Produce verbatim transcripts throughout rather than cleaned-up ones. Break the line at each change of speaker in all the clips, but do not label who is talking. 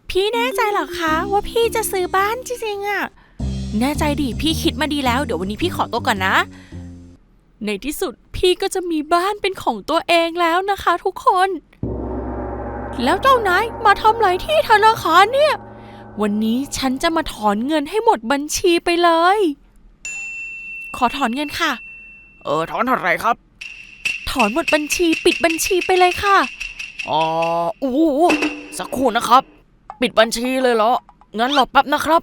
พี่แน่ใจเหรอคะว่าพี่จะซื้อบ้านจริงๆอะแน่ใจดิพี่คิดมาดีแล้วเดี๋ยววันนี้พี่ขอตัวก่อนนะในที่สุดพี่ก็จะมีบ้านเป็นของตัวเองแล้วนะคะทุกคนแล้วเจ้านายมาทำอะไรที่ธนาคารเนี่ยวันนี้ฉันจะมาถอนเงินให้หมดบัญชีไปเลยขอถอนเงินค่ะ
เออถอนเท่าไหร่ครับ
ถอนหมดบัญชีปิดบัญชีไปเลยค่ะ
อ๋อโอ้สักครู่นะครับปิดบัญชีเลยเหรองั้นรอแป๊บนะครับ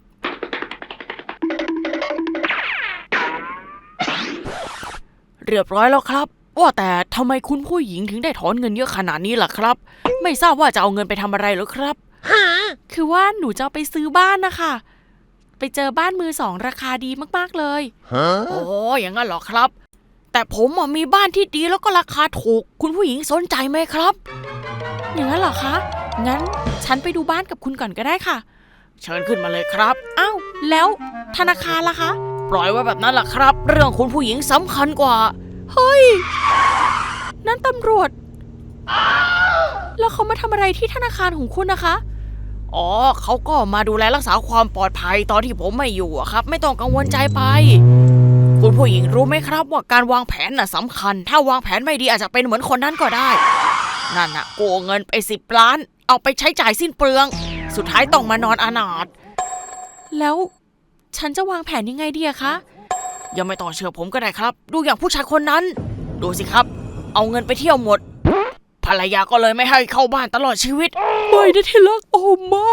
เรียบร้อยแล้วครับว่าแต่ทำไมคุณผู้หญิงถึงได้ถอนเงินเยอะขนาดนี้ล่ะครับไม่ทราบว่าจะเอาเงินไปทำอะไรหรือครับ
คือว่าหนูจะไปซื้อบ้านนะคะไปเจอบ้านมือสองราคาดีมากๆเลย
โอ้อย่างนั้นเหรอครับแต่ผมมีบ้านที่ดีแล้วก็ราคาถูกคุณผู้หญิงสนใจไหมครับ
อย่างนั้นเหรอคะงั้นฉันไปดูบ้านกับคุณก่อนก็ได้ค่ะ
เชิญขึ้นมาเลยครับ
อ้าวแล้วธนาคารล่ะคะ
ปล่อยไว้แบบนั้นล่ะครับเรื่องคุณผู้หญิงสำคัญกว่า
เฮ้ยนั่นตำรวจแล้วเขามาทำอะไรที่ธนาคารของคุณนะคะ
อ๋อเขาก็มาดูแลรักษาความปลอดภัยตอนที่ผมไม่อยู่อะครับไม่ต้องกังวลใจไปคุณผู้หญิงรู้ไหมครับว่าการวางแผนน่ะสำคัญถ้าวางแผนไม่ดีอาจจะเป็นเหมือนคนนั้นก็ได้นั่นน่ะโกงเงินไปสิบล้านเอาไปใช้จ่ายสิ้นเปลืองสุดท้ายต้องมานอนอนาถ
แล้วฉันจะวางแผนยังไงดีอะคะ
ยังไม่ต้องเชื่อผมก็ได้ครับดูอย่างผู้ชายคนนั้นดูสิครับเอาเงินไปเที่ยวหมดภรรยาก็เลยไม่ให้เข้าบ้านตลอดชีวิต
ไม่นะที่รักโอ้ไม่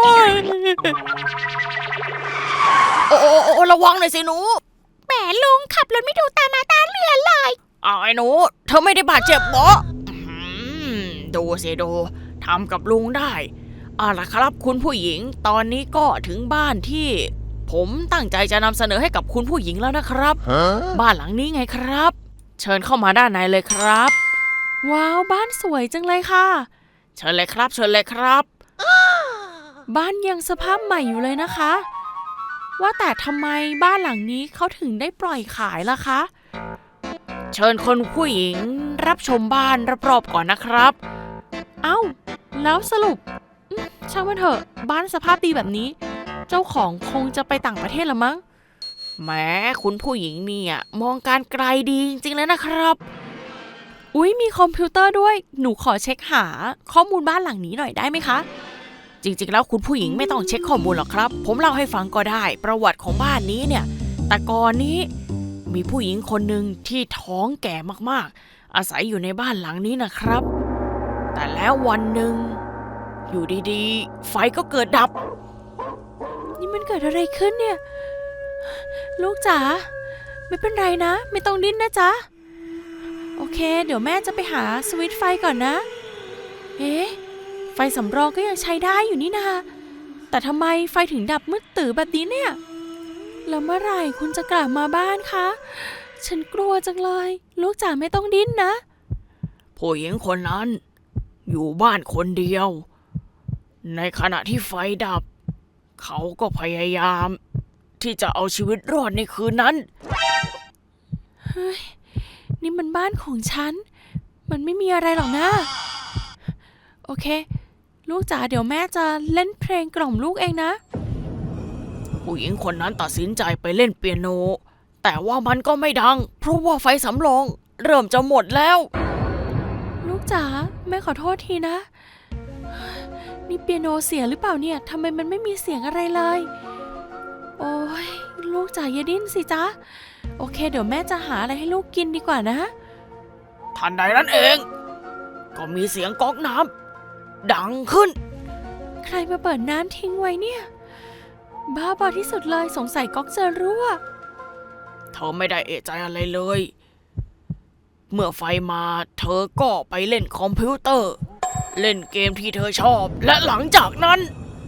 โอ้โอ้ระวังหน่อยสิหนู
แหมลุงขับรถไม่ดูตามาตาเรือเลย
อ้าวไอ้หนูเธอไม่ได้บาดเจ็บเหรอดูสิดูทำกับลุงได้เอาล่ะครับคุณผู้หญิงตอนนี้ก็ถึงบ้านที่ผมตั้งใจจะนำเสนอให้กับคุณผู้หญิงแล้วนะครับบ้านหลังนี้ไงครับเชิญเข้ามาด้านในเลยครับ
ว้าวบ้านสวยจังเลยค่ะ
เชิญเลยครับเชิญเลยครับ
บ้านยังสภาพใหม่อยู่เลยนะคะว่าแต่ทำไมบ้านหลังนี้เขาถึงได้ปล่อยขายล่ะคะ
เชิญคนผู้หญิงรับชมบ้านรอบๆก่อนนะครับ
เอ้าแล้วสรุปช่างมันเถอะบ้านสภาพดีแบบนี้เจ้าของคงจะไปต่างประเทศละมั้ง
แหมคุณผู้หญิงเนี่ยมองการไกลดีจริงๆเลยนะครับ
อุ๊ยมีคอมพิวเตอร์ด้วยหนูขอเช็คหาข้อมูลบ้านหลังนี้หน่อยได้ไหมคะ
จริงๆแล้วคุณผู้หญิงไม่ต้องเช็คข้อมูลหรอกครับผมเล่าให้ฟังก็ได้ประวัติของบ้านนี้เนี่ยแต่ก่อนนี้มีผู้หญิงคนหนึ่งที่ท้องแก่มากๆอาศัยอยู่ในบ้านหลังนี้นะครับแต่แล้ววันหนึ่งอยู่ดีๆไฟก็เกิดดับ
นี่มันเกิดอะไรขึ้นเนี่ยลูกจ๋าไม่เป็นไรนะไม่ต้องดิ้นนะจ๊ะโอเคเดี๋ยวแม่จะไปหาสวิตช์ไฟก่อนนะเอ๊ะไฟสำรองก็ยังใช้ได้อยู่นี่นาแต่ทำไมไฟถึงดับมืดตื่อแบบนี้เนี่ยแล้วเมื่อไหร่คุณจะกลับมาบ้านคะฉันกลัวจังเลยลูกจ๋าไม่ต้องดิ้นนะ
ผู้หญิงคนนั้นอยู่บ้านคนเดียวในขณะที่ไฟดับเขาก็พยายามที่จะเอาชีวิตรอดในคืนนั้น
เฮ้ยนี่มันบ้านของฉันมันไม่มีอะไรหรอกนะโอเคลูกจ๋าเดี๋ยวแม่จะเล่นเพลงกล่อมลูกเองนะ
ผู้หญิงคนนั้นตัดสินใจไปเล่นเปียโนแต่ว่ามันก็ไม่ดังเพราะว่าไฟสำรองเริ่มจะหมดแล้ว
ลูกจ๋าแม่ขอโทษทีนะนี่เปียโนเสียหรือเปล่าเนี่ยทำไมมันไม่มีเสียงอะไรเลยโอ้ยลูกจ๋าอย่าดิ้นสิจ๊ะโอเคเดี๋ยวแม่จะหาอะไรให้ลูกกินดีกว่านะ
ทันใดนั้นเองก็มีเสียงก๊อกน้ำดังขึ้น
ใครมาเปิดน้ำทิ้งไว้เนี่ยบ้าบอที่สุดเลยสงสัยก๊อกจะรั่ว
เธอไม่ได้เอะใจอะไรเลยเมื่อไฟมาเธอก็ไปเล่นคอมพิวเตอร์เล่นเกมที่เธอชอบและหลังจากนั้น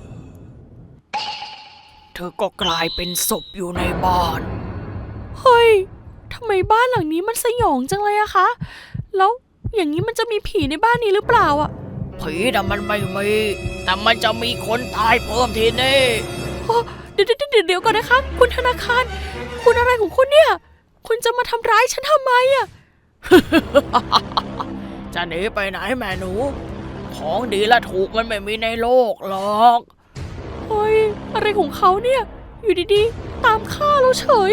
เธอก็กลายเป็นศพอยู่ในบ้าน
เฮ้ยทำไมบ้านหลังนี้มันสยองจังเลยอะคะแล้วอย่างนี้มันจะมีผีในบ้านนี้หรือเปล่าอะ
ผีน่ะมันไม่มีแต่มันจะมีคนตายเพิ่มทีนี่
เดี๋ยวเดี๋ยวเดี๋ยวก่อนนะคะคุณธนาคารคุณอะไรของคุณเนี่ยคุณจะมาทำร้ายฉันทำไมอะ
จะหนีไปไหนแม่หนูของดีและถูกมันไม่มีในโลกหรอก
อะไรของเขาเนี่ย อยู่ดีๆ ตามฆ่าเราเฉย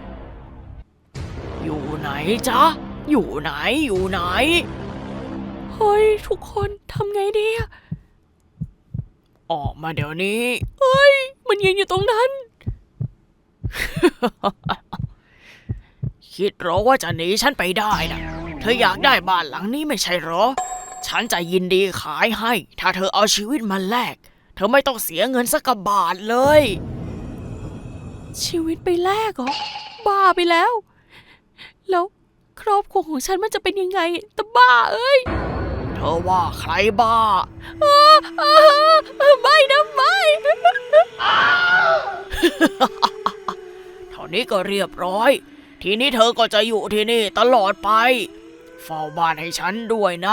อยู่ไหนจ๊ะ อยู่ไหน อยู่ไหน
เฮ้ย ทุกคนทำไงดีอะ
ออกมาเดี๋ยวนี้
เฮ้ย มันยืนอยู่ตรงนั้น
คิดเหรอว่าจะหนีฉันไปได้นะเธออยากได้บ้านหลังนี้ไม่ใช่เหรอ ฉันจะยินดีขายให้ ถ้าเธอเอาชีวิตมาแลก เธอไม่ต้องเสียเงินสักกะบาทเลย
ชีวิตไปแลกเหรอ บ้าไปแล้ว แล้วครอบครัวของฉันมันจะเป็นยังไงแต่บ้าเอ้ย
เธอว่าใครบ้า
อ้าอ้าไม่นะไม่
เท่านี้ก็เรียบร้อย ทีนี้เธอก็จะอยู่ที่นี่ตลอดไป เฝ้าบ้านให้ฉันด้วยนะ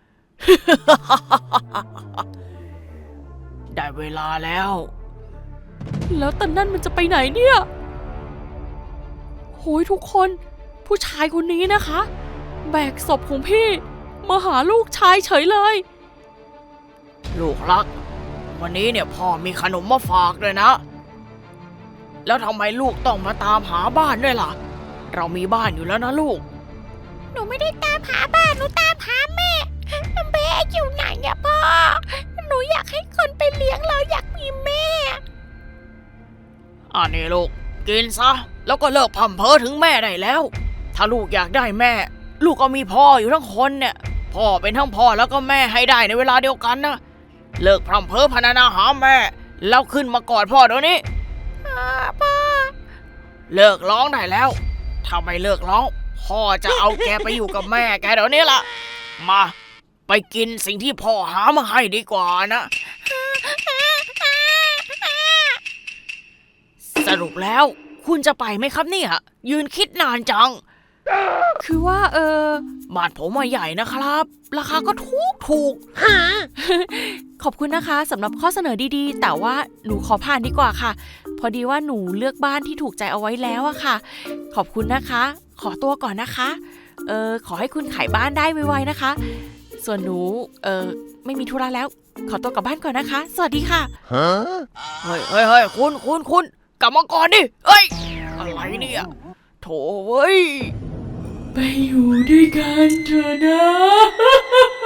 ได้เวลาแล้ว
แล้วตอนนั้นมันจะไปไหนเนี่ยโหยทุกคนผู้ชายคนนี้นะคะ แบกศพของพี่มาหาลูกชายเฉยเลย
ลูกรัก วันนี้เนี่ยพ่อมีขนมมาฝากด้วยนะ แล้วทำไมลูกต้องมาตามหาบ้านด้วยล่ะ เรามีบ้านอยู่แล้วนะลูก
หนูไม่ได้ตามหาบ้านหนูตามหาแม่แม่อยู่ไหนอะพ่อหนูอยากให้คนไปเลี้ยงเราอยากมีแม่
อันนี้ลูกกินซะแล้วก็เลิกพร่ำเพ้อถึงแม่ได้แล้ว ถ้าลูกอยากได้แม่ ลูกก็มีพ่ออยู่ทั้งคนเนี่ยพ่อเป็นทั้งพ่อแล้วก็แม่ให้ได้ในเวลาเดียวกันนะเลิกพร่ำเพ้อพรรณนาหาแม่แล้วขึ้นมากอดพ่อเดี๋ยวนี้
พ่อ
เลิกร้องได้แล้วถ้าไม่เลิกร้องพ่อจะเอาแกไปอยู่กับแม่แกเดี๋ยวนี้ล่ะมาไปกินสิ่งที่พ่อหามาให้ดีกว่านะสรุปแล้วคุณจะไปไหมครับเนี่ยยืนคิดนานจัง
คือว่าเออ
บ้านผมมาใหญ่นะครับ ราคาก็ถูกถูก
ขอบคุณนะคะสำหรับข้อเสนอดีๆ แต่ว่าหนูขอผ่านดีกว่าค่ะ พอดีว่าหนูเลือกบ้านที่ถูกใจเอาไว้แล้วอะค่ะ ขอบคุณนะคะ ขอตัวก่อนนะคะเออขอให้คุณขายบ้านได้ไวๆนะคะ ส่วนหนูเออไม่มีธุระแล้ว ขอตัวกลับบ้านก่อนนะคะ สวัสดีค่ะ
เฮ้ยเฮ้ยเฮ้ยคุณคุณคุณกลับมาก่อนดิเฮ้ยอะไรเนี่ยโถเว้ย
ไปอยู่ด้วยกันเถอะนะ